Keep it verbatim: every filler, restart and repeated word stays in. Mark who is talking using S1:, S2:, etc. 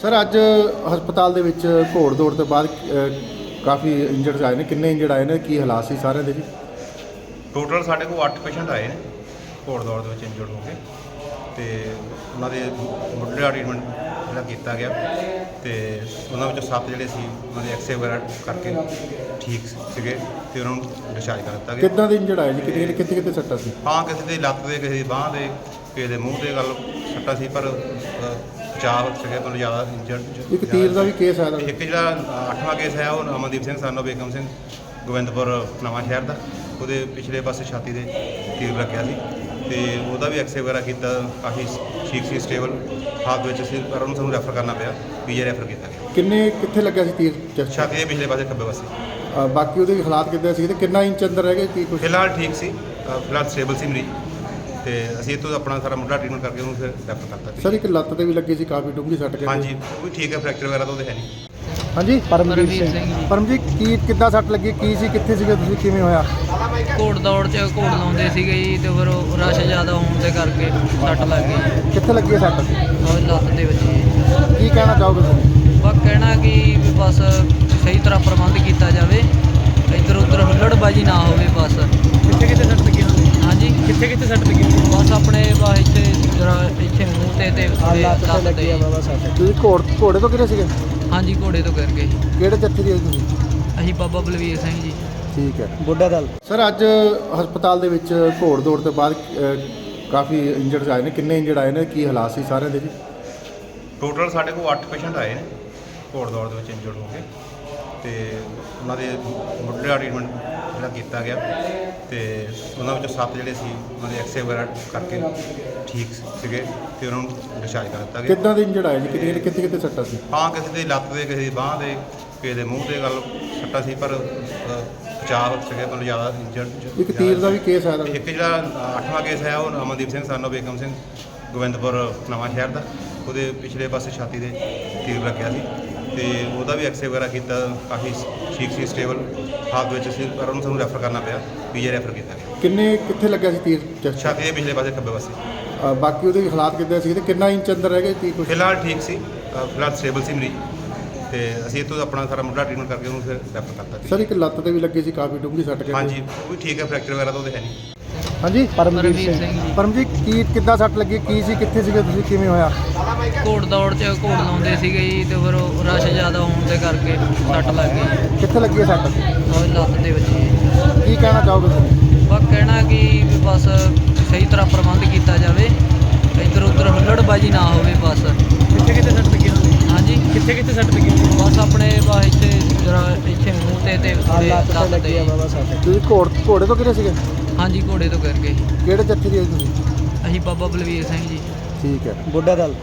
S1: Sir ਅੱਜ ਹਸਪਤਾਲ ਦੇ ਵਿੱਚ ਘੋੜ ਦੌੜ ਤੋਂ ਬਾਅਦ ਕਾਫੀ ਇੰਜਰਡ ਆਏ ਨੇ। ਕਿੰਨੇ ਇੰਜਰਡ ਆਏ ਨੇ, ਕੀ ਹਾਲਾਤ ਸੀ ਸਾਰਿਆਂ ਦੇ ਜੀ?
S2: ਟੋਟਲ ਸਾਡੇ ਕੋਲ ਅੱਠ ਪੇਸ਼ੈਂਟ ਆਏ ਨੇ ਘੋੜ ਦੌੜ ਦੇ ਵਿੱਚ ਇੰਜਰਡ ਹੋ ਕੇ, ਤੇ ਉਹਨਾਂ ਦੇ ਮੁੱਢਲਾ ਟ੍ਰੀਟਮੈਂਟ ਜਿਹੜਾ ਕੀਤਾ ਗਿਆ, ਤੇ ਉਹਨਾਂ ਵਿੱਚੋਂ ਸੱਤ ਜਿਹੜੇ ਸੀ ਉਹਨਾਂ ਦੇ ਐਕਸਰੇ ਵਗੈਰਾ ਕਰਕੇ ਠੀਕ ਸੀਗੇ ਤੇ ਉਹਨਾਂ ਨੂੰ ਡਿਸਚਾਰਜ ਕਰ ਦਿੱਤਾ ਗਿਆ।
S1: ਕਿੱਦਾਂ ਦੇ ਇੰਜਰਡ ਆਏ ਜੀ? ਕਿਤੇ ਕਿਤੇ ਕਿਤੇ ਸੱਟਾਂ ਸੀ?
S2: ਹਾਂ, ਕਿਸੇ ਦੀ ਲੱਤ ਦੇ, ਕਿਸੇ ਦੀ ਬਾਂਹ ਦੇ, ਕਿਸੇ ਦੇ ਮੂੰਹ ਤੇ ਗੱਲ ਸੱਟਾਂ ਸੀ, ਪਰ ਬਚਾਅ ਸੀਗੇ ਮਤਲਬ ਜ਼ਿਆਦਾ ਇੰਜਰਡ।
S1: ਇੱਕ ਤੀਰ ਦਾ ਵੀ ਕੇਸ ਆਇਆ?
S2: ਇੱਕ ਜਿਹੜਾ ਅੱਠਵਾਂ ਕੇਸ ਹੈ ਉਹ Amandeep Singh son of Begam Singh Gobindpur Nawanshahr ਦਾ, ਉਹਦੇ ਪਿਛਲੇ ਪਾਸੇ ਛਾਤੀ ਦੇ ਤੀਰ ਲੱਗਿਆ ਸੀ ਤੇ ਉਹਦਾ ਵੀ ਐਕਸਰੇ ਵਗੈਰਾ ਕੀਤਾ, ਕਾਫੀ ਠੀਕ ਸੀ, ਸਟੇਬਲ ਹਾਲਤ ਵਿੱਚ ਸੀ, ਪਰ ਉਹਨੂੰ ਸਾਨੂੰ ਰੈਫਰ ਕਰਨਾ ਪਿਆ, ਪੀਜੀ ਰੈਫਰ ਕੀਤਾ ਗਿਆ।
S1: ਕਿੰਨੇ ਕਿੱਥੇ ਲੱਗਿਆ ਸੀ ਤੀਰ? ਚੈਸਟ?
S2: ਛਾਤੀ ਦੇ ਪਿਛਲੇ ਪਾਸੇ ਖੱਬੇ ਪਾਸੇ।
S1: ਅ, ਬਾਕੀ ਉਹਦੇ ਵੀ ਹਾਲਾਤ ਕਿੱਦਾਂ ਸੀ ਤੇ ਕਿੰਨਾ ਇੰਚ ਅੰਦਰ ਰਹਿ ਗਏ ਕੀ ਕੁਛ?
S2: ਫਿਲਹਾਲ ਠੀਕ ਸੀ, ਅ, ਫਿਲਹਾਲ ਸਟੇਬਲ ਸੀ ਮਰੀਜ਼, ਤੇ ਅਸੀਂ ਇੱਥੋਂ ਆਪਣਾ ਸਾਰਾ ਮੁੱਢਲਾ ਟ੍ਰੀਟਮੈਂਟ ਕਰਕੇ ਉਹਨੂੰ ਫਿਰ ਰੈਫਰ ਕਰਤਾ ਸੀ।
S1: ਸਰ ਇੱਕ ਲੱਤ ਤੇ ਵੀ ਲੱਗੀ ਸੀ, ਕਾਫੀ ਡੂੰਘੀ ਸੱਟ ਗਈ?
S2: ਹਾਂਜੀ, ਉਹ ਵੀ ਠੀਕ ਹੈ, ਫ੍ਰੈਕਚਰ ਵਗੈਰਾ ਤਾਂ ਉਹਦੇ ਹੈ ਨਹੀਂ।
S1: ਹਾਂਜੀ,
S3: ਪਰਮਜੀਤ ਸਿੰਘ ਜੀ।
S1: ਪਰਮਜੀਤ, ਕੀ ਕਿੱਦਾਂ ਸੱਟ ਲੱਗੀ, ਕੀ ਸੀ, ਕਿੱਥੇ ਸੀਗੇ ਤੁਸੀਂ, ਕਿਵੇਂ ਹੋਇਆ?
S3: ਘੋੜ ਦੌੜ 'ਚ ਘੋੜ ਲਾਉਂਦੇ ਸੀਗੇ ਜੀ, ਤੇ ਫਿਰ ਉਹ ਰਸ਼ ਜ਼ਿਆਦਾ ਹੋਣ ਦੇ ਕਰਕੇ ਸੱਟ ਲੱਗ ਗਈ।
S1: ਕਿੱਥੇ ਲੱਗੀ ਹੈ ਸੱਟ?
S3: ਉਹ ਲੱਤ ਦੇ ਵਿੱਚ ਜੀ।
S1: ਕੀ ਕਹਿਣਾ ਚਾਹੋਗੇ ਤੁਸੀਂ?
S3: ਬਸ ਕਹਿਣਾ ਕਿ ਵੀ ਬਸ ਸਹੀ ਤਰ੍ਹਾਂ ਪ੍ਰਬੰਧ ਕੀਤਾ ਜਾਵੇ, ਇੱਧਰ ਉੱਧਰ ਹੁੱਲੜਬਾਜੀ ਨਾ ਹੋਵੇ ਬਸ।
S4: ਕਿੱਥੇ ਕਿੱਥੇ ਸੱਟ ਲੱਗੀ ਹੋਣੀ?
S3: ਹਾਂਜੀ,
S4: ਕਿੱਥੇ ਕਿੱਥੇ ਸੱਟ ਲੱਗੀ?
S3: ਬਸ ਆਪਣੇ ਬਸ ਇੱਥੇ ਜਰਾ ਇੱਥੇ ਮੂੰਹ ਤੇ ਤੇ
S4: ਲੱਤ ਤੇ ਲੱਗੀ ਆ
S3: ਤੇ।
S4: ਬਾਬਾ ਸੱਟ।
S1: ਤੁਸੀਂ ਘੋੜ ਘੋੜੇ ਤੋਂ ਕਿਹੜੇ ਸੀਗੇ?
S3: ਹਾਂਜੀ, ਘੋੜੇ ਤੋਂ ਕਰਕੇ
S1: ਕਿਹੜੇ ਜੱਥੇ ਦੀ ਆਏ ਤੁਸੀਂ?
S3: ਅਸੀਂ ਬਾਬਾ ਬਲਵੀਰ ਸਿੰਘ ਜੀ।
S1: ਠੀਕ ਹੈ।
S4: ਬੁੱਢਾ ਦਲ।
S1: ਸਰ ਅੱਜ ਹਸਪਤਾਲ ਦੇ ਵਿੱਚ ਘੋੜ ਦੌੜ ਤੋਂ ਬਾਅਦ ਕਾਫੀ ਇੰਜਰਡ ਆਏ ਨੇ। ਕਿੰਨੇ ਇੰਜਰਡ ਆਏ ਨੇ, ਕੀ ਹਾਲਾਤ ਸੀ ਸਾਰਿਆਂ ਦੇ ਜੀ?
S2: ਟੋਟਲ ਸਾਡੇ ਕੋਲ ਅੱਠ ਪੇਸ਼ੈਂਟ ਆਏ ਨੇ ਘੋੜ ਦੌੜ ਦੇ ਵਿੱਚ ਇੰਜਰਡ ਹੋ ਕੇ, ਤੇ ਉਹਨਾਂ ਦੇ ਮੁੱਢਲਾ ਟ੍ਰੀਟਮੈਂਟ ਜਿਹੜਾ ਕੀਤਾ ਗਿਆ, ਤੇ ਉਹਨਾਂ ਵਿੱਚੋਂ ਸੱਤ ਜਿਹੜੇ ਸੀ ਉਹਨਾਂ ਦੇ ਐਕਸਰੇ ਵਗੈਰਾ ਕਰਕੇ ਠੀਕ ਸੀਗੇ ਤੇ ਉਹਨਾਂ ਨੂੰ ਡਿਸਚਾਰਜ ਕਰ ਦਿੱਤਾ ਗਿਆ।
S1: ਕਿੱਦਾਂ ਦੇ ਇੰਜਰਡ ਆਏ ਜੀ? ਕਿਤੇ ਕਿਤੇ ਕਿਤੇ ਸੱਟਾਂ ਸੀ?
S2: ਹਾਂ, ਕਿਸੇ ਦੀ ਲੱਤ ਦੇ, ਕਿਸੇ ਦੀ ਬਾਂਹ ਦੇ, ਕਿਸੇ ਦੇ ਮੂੰਹ ਤੇ ਗੱਲ ਸੱਟਾਂ ਸੀ, ਪਰ ਬਚਾਅ ਸੀਗੇ ਮਤਲਬ ਜ਼ਿਆਦਾ ਇੰਜਰਡ।
S1: ਇੱਕ ਤੀਰ ਦਾ ਵੀ ਕੇਸ ਆਇਆ?
S2: ਇੱਕ ਜਿਹੜਾ ਅੱਠਵਾਂ ਕੇਸ ਹੈ ਉਹ Amandeep Singh son of Begam Singh Gobindpur Nawanshahr ਦਾ, ਉਹਦੇ ਪਿਛਲੇ ਪਾਸੇ ਛਾਤੀ ਦੇ ਤੀਰ ਲੱਗਿਆ ਸੀ ਤੇ ਉਹਦਾ ਵੀ ਐਕਸਰੇ ਵਗੈਰਾ ਕੀਤਾ, ਕਾਫੀ ਠੀਕ ਸੀ, ਸਟੇਬਲ ਹਾਲਤ ਵਿੱਚ ਸੀ, ਪਰ ਉਹਨੂੰ ਸਾਨੂੰ ਰੈਫਰ ਕਰਨਾ ਪਿਆ, ਪੀਜੀ ਰੈਫਰ ਕੀਤਾ ਗਿਆ।
S1: ਕਿੰਨੇ ਕਿੱਥੇ ਲੱਗਿਆ ਸੀ ਤੀਰ? ਚੈਸਟ?
S2: ਛਾਤੀ ਦੇ ਪਿਛਲੇ ਪਾਸੇ ਖੱਬੇ ਪਾਸੇ।
S1: ਅ, ਬਾਕੀ ਉਹਦੇ ਵੀ ਹਾਲਾਤ ਕਿੱਦਾਂ ਸੀ ਤੇ ਕਿੰਨਾ ਇੰਚ ਅੰਦਰ ਰਹਿ ਗਏ ਕੀ ਕੁਛ?
S2: ਫਿਲਹਾਲ ਠੀਕ ਸੀ, ਅ, ਫਿਲਹਾਲ ਸਟੇਬਲ ਸੀ ਮਰੀਜ਼, ਤੇ ਅਸੀਂ ਇੱਥੋਂ ਆਪਣਾ ਸਾਰਾ ਮੁੱਢਲਾ ਟ੍ਰੀਟਮੈਂਟ ਕਰਕੇ ਉਹਨੂੰ ਫਿਰ ਰੈਫਰ ਕਰਤਾ ਸੀ।
S1: ਸਰ ਇੱਕ ਲੱਤ ਤੇ ਵੀ ਲੱਗੀ ਸੀ, ਕਾਫੀ ਡੂੰਘੀ ਸੱਟ ਗਈ?
S2: ਹਾਂਜੀ, ਉਹ ਵੀ ਠੀਕ ਹੈ, ਫ੍ਰੈਕਚਰ ਵਗੈਰਾ ਤਾਂ ਉਹਦੇ ਹੈ ਨਹੀਂ।
S1: ਹਾਂਜੀ,
S3: ਪਰਮਜੀਤ ਸਿੰਘ ਜੀ।
S1: ਪਰਮਜੀਤ, ਕੀ ਕਿੱਦਾਂ ਸੱਟ ਲੱਗੀ, ਕੀ ਸੀ, ਕਿੱਥੇ ਸੀਗੇ ਤੁਸੀਂ, ਕਿਵੇਂ ਹੋਇਆ?
S3: ਘੋੜ ਦੌੜ 'ਚ ਘੋੜ ਲਾਉਂਦੇ ਸੀਗੇ ਜੀ, ਤੇ ਫਿਰ ਉਹ ਰਸ਼ ਜ਼ਿਆਦਾ ਹੋਣ ਦੇ ਕਰਕੇ ਸੱਟ ਲੱਗ ਗਈ।
S1: ਕਿੱਥੇ ਲੱਗੀ ਹੈ ਸੱਟ?
S3: ਉਹ ਲੱਤ ਦੇ ਵਿੱਚ ਜੀ।
S1: ਕੀ ਕਹਿਣਾ ਚਾਹੋਗੇ ਤੁਸੀਂ?
S3: ਬਸ ਕਹਿਣਾ ਕਿ ਵੀ ਬਸ ਸਹੀ ਤਰ੍ਹਾਂ ਪ੍ਰਬੰਧ ਕੀਤਾ ਜਾਵੇ, ਇੱਧਰ ਉੱਧਰ ਹੁੱਲੜਬਾਜੀ ਨਾ ਹੋਵੇ ਬਸ।
S4: ਕਿੱਥੇ ਕਿੱਥੇ ਸੱਟ ਲੱਗੀ ਹੋਣੀ?
S3: ਹਾਂਜੀ,
S4: ਕਿੱਥੇ ਕਿੱਥੇ ਸੱਟ ਲੱਗੀ ਹੋਣੀ?
S3: ਬਸ ਆਪਣੇ ਬਸ ਇੱਥੇ ਜਰਾ ਇੱਥੇ ਮੂੰਹ ਤੇ ਤੇ
S4: ਲੱਤ ਤੇ ਲੱਗੀ ਆ
S3: ਤੇ।
S4: ਬਾਬਾ ਸੱਟ।
S1: ਤੁਸੀਂ ਘੋੜ ਘੋੜੇ ਤੋਂ ਕਿਹੜੇ ਸੀਗੇ?
S3: ਹਾਂਜੀ, ਘੋੜੇ ਤੋਂ ਕਰਕੇ
S1: ਕਿਹੜੇ ਜੱਥੇ ਦੀ ਆਏ ਤੁਸੀਂ?
S3: ਅਸੀਂ ਬਾਬਾ ਬਲਵੀਰ ਸਿੰਘ ਜੀ।
S1: ਠੀਕ ਹੈ।
S4: ਬੁੱਢਾ ਦਲ।